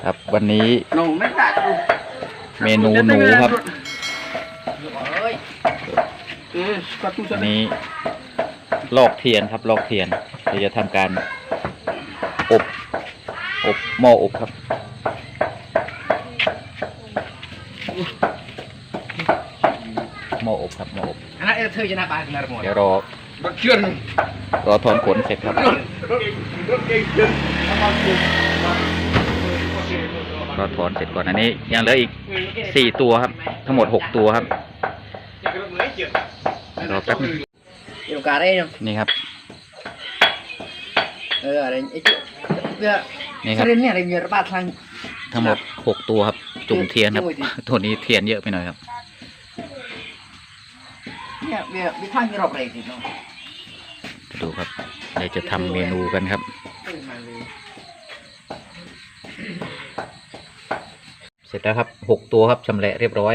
ครับวันนี้เมนูหนูครับอันนี้ลอกเทียนครับลอกเทียนเราจะทำการอบหม้ออบครับหม้ออบครับหม้ออบเดี๋ยวรอถอนขนเสร็จครับรอถอนเสร็จก่อนอันนี้ยังเหลืออีก4ตัวครับทั้งหมด6ตัวครับรอแป๊บนึงนี่ครับนี่ครับทั้งหมด6ตัวครับจุ่มเทียนครับตัวนี้เทียนเยอะไปหน่อยครับดูครับเดี๋ยวจะทำเมนูกันครับเสร็จแล้วครับ6ตัวครับชำแหละเรียบร้อย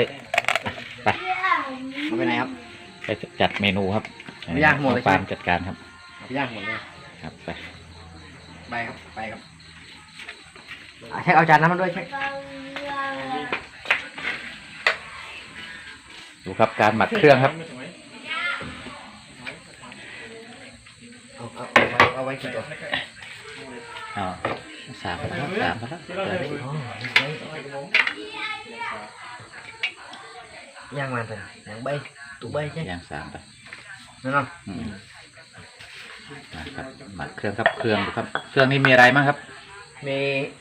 ไปไหนครับไปจัดเมนูครับย่างหมดเลยครับจัดการครับย่างหมดเลยครับไปครับไปครับเช็คเอาจานน้ำมันด้วยเช็คดูครับการหมักเครื่องครับเอาไว้กี่ตัว3 ย่างมันไปย่างใบตุใบใช่ย่าง3ไปนั่นเนาะนะครับหมักเครื่องครับเครื่องดูครับเครื่องนี้มีอะไรบ้างครับมี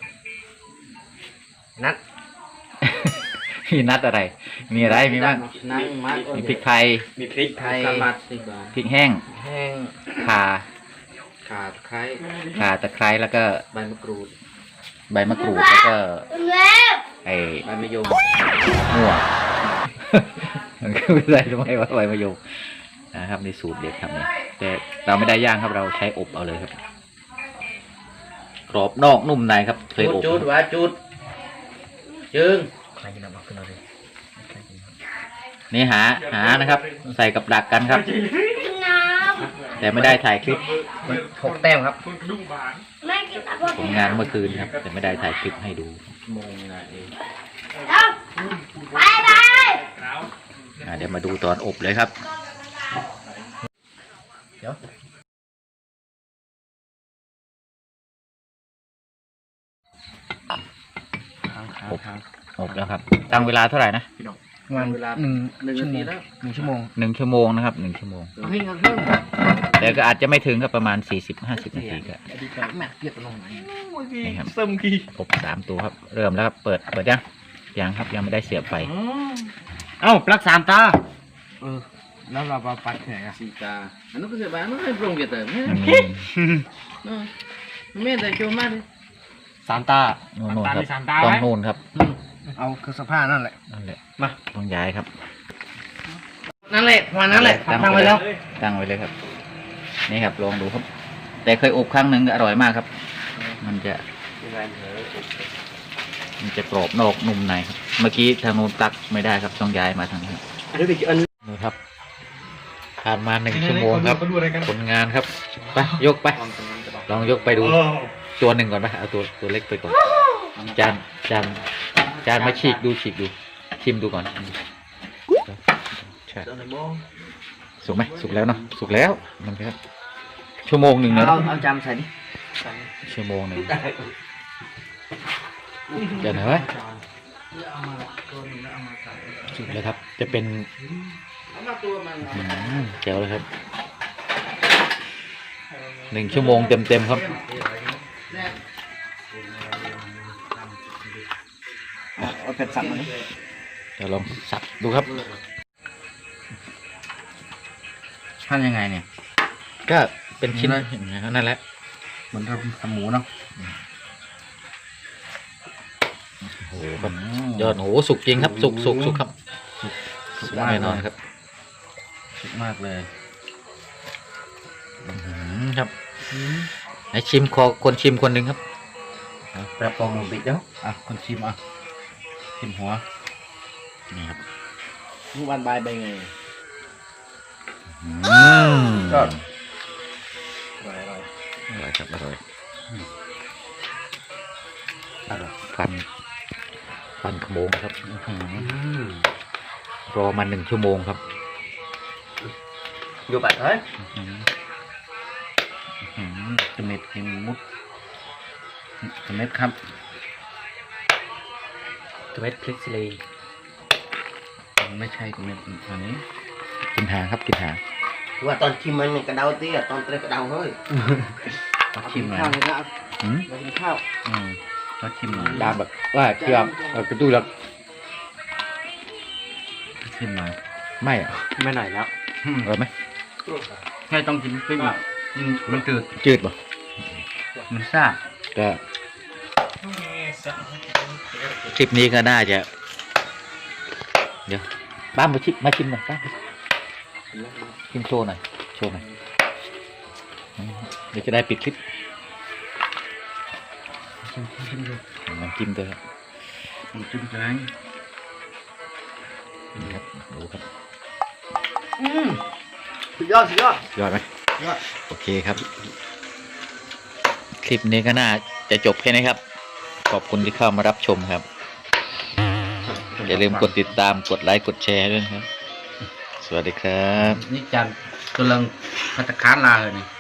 นัด มีนัดอะไรมีอะไรมีบ้างมีพริกไทยมีพริกไทยพริกแห้งข่าตะไคร้แล้วก็ใบมะกรูดแล้วก็ใบมะยมมั่วมันก็ไม่ได้ทำไมว่าใบมะยมนะครับในสูตรเด็ดครับเนี่ยแต่เราไม่ได้ย่างครับเราใช้อบเอาเลยครับกรอบนอกนุ่มในครับเคยอบจุดจึงนี่หานะครับใส่กับดักกันครับแต่ไม่ได้ถ่ายคลิป6 แต้มครับผลงานเมื่อคืนครับแต่ไม่ได้ถ่ายคลิปให้ดูเดี๋ยวมาดูตอนอบเลยครับเดี๋ยวอบแล้วครับตั้งเวลาเท่าไหร่นะเวลา1 ชั่วโมงนะครับ1 ชั่วโมงแต่ก็อาจจะไม่ถึงครับประมาณ40-50 นาทีก็นี่ครับอบ3 ตัวครับเริ่มแล้วครับเปิดยังครับยังไม่ได้เสียบไฟเอ้าปลั๊ก3 ตาแล้วเราปัดแข็ง4 ตาอันนั้นก็เสียบมันไม่ปรุงเยอะแต่ไม่ได้โจมมากเลย3 ตาโน่นครับต้องโน่นครับเอาคือสภาพนั่นแหละมาต้องย้ายครับนั่นแหละมานั่นแหละตั้งไว้เลยครับนี่ครับลองดูครับแต่เคยอบครั้งหนึ่งอร่อยมากครับมันจะกรอบนอกนุ่มในครับเมื่อกี้ทางโน้นตักไม่ได้ครับต้องย้ายมาทางนี้นี่ครับผ่านมา1 ชั่วโมงครับผลงานครับไปยกไปลองยกไปดูตัวหนึ่งก่อนไปเอาตัวเล็กไปก่อนจานมาฉีกดูชิมดูก่อนใช่สุกไหมสุกแล้วเนาะสุกแล้วมันครับชั่วโมงหนึ่งนะเอาจานใส่ดิชั่วโมงหนึ่งเดี๋ยวหน่อยสุกแล้วครับจะเป็นแจ๋วเลยครับ1 ชั่วโมงเต็มครับเอาเป็ดสับมาเดี๋ยวลองสับดูครับหั่นยังไงเนี่ยก็เป็นชิ้นนั่นแหละเหมือนทำหมูเนาะโอ้โหครับยอดโหสุกจริงครับสุกครับสุกแน่นอนครับสุกมากเลยครับให้ชิมคนชิมคนหนึ่งครับแป๊บปองลงไปเดี๋ยวคนชิมชิมหัวนี่ครับลูกบานใบใบไงก็อร่อยครับอร่อยฟันขโมงครับรอมา1 ชั่วโมงครับอยู่แบบเฮ้ยจะเม็ดกินมุดจะเม็ดครับจะเม็ดพริกซีรีไม่ใช่จะเม็ดอันนี้กินหางครับกินหางว่าตอนชิมมันกระเดาเตี้ยตอนเตะกระเดาเฮ้ยชิมหน่อยข้าวเลยนะมากินข้าวก็ชิมหน่อยดามแบบว่าเคี่ยวกระตุ้นแล้วชิมหน่อยไม่อ่ะไม่หน่อยแล้วอร่อยไหมแค่ต้องกินพริกอ่ะมันจืดจืดป่ะมันซ่าก็คลิปนี้ก็น่าจะเดี๋ยวป้ามาชิมหน่อยป้าชิมโชว์หน่อยเดี๋ยวจะได้ปิดคลิปน้ำจิ้มด้วยครับจิ้มแกงครับดูครับสุดยอดยอดไหมยอดโอเคครับ คลิปนี้ก็น่าจะจบแค่นี้ครับ ขอบคุณที่เข้ามารับชมครับ อย่าลืมกดติดตามกดไลค์กดแชร์ด้วยนะครับ สวัสดีครับนี่จันกำลังพัฒนาลาเลยนี่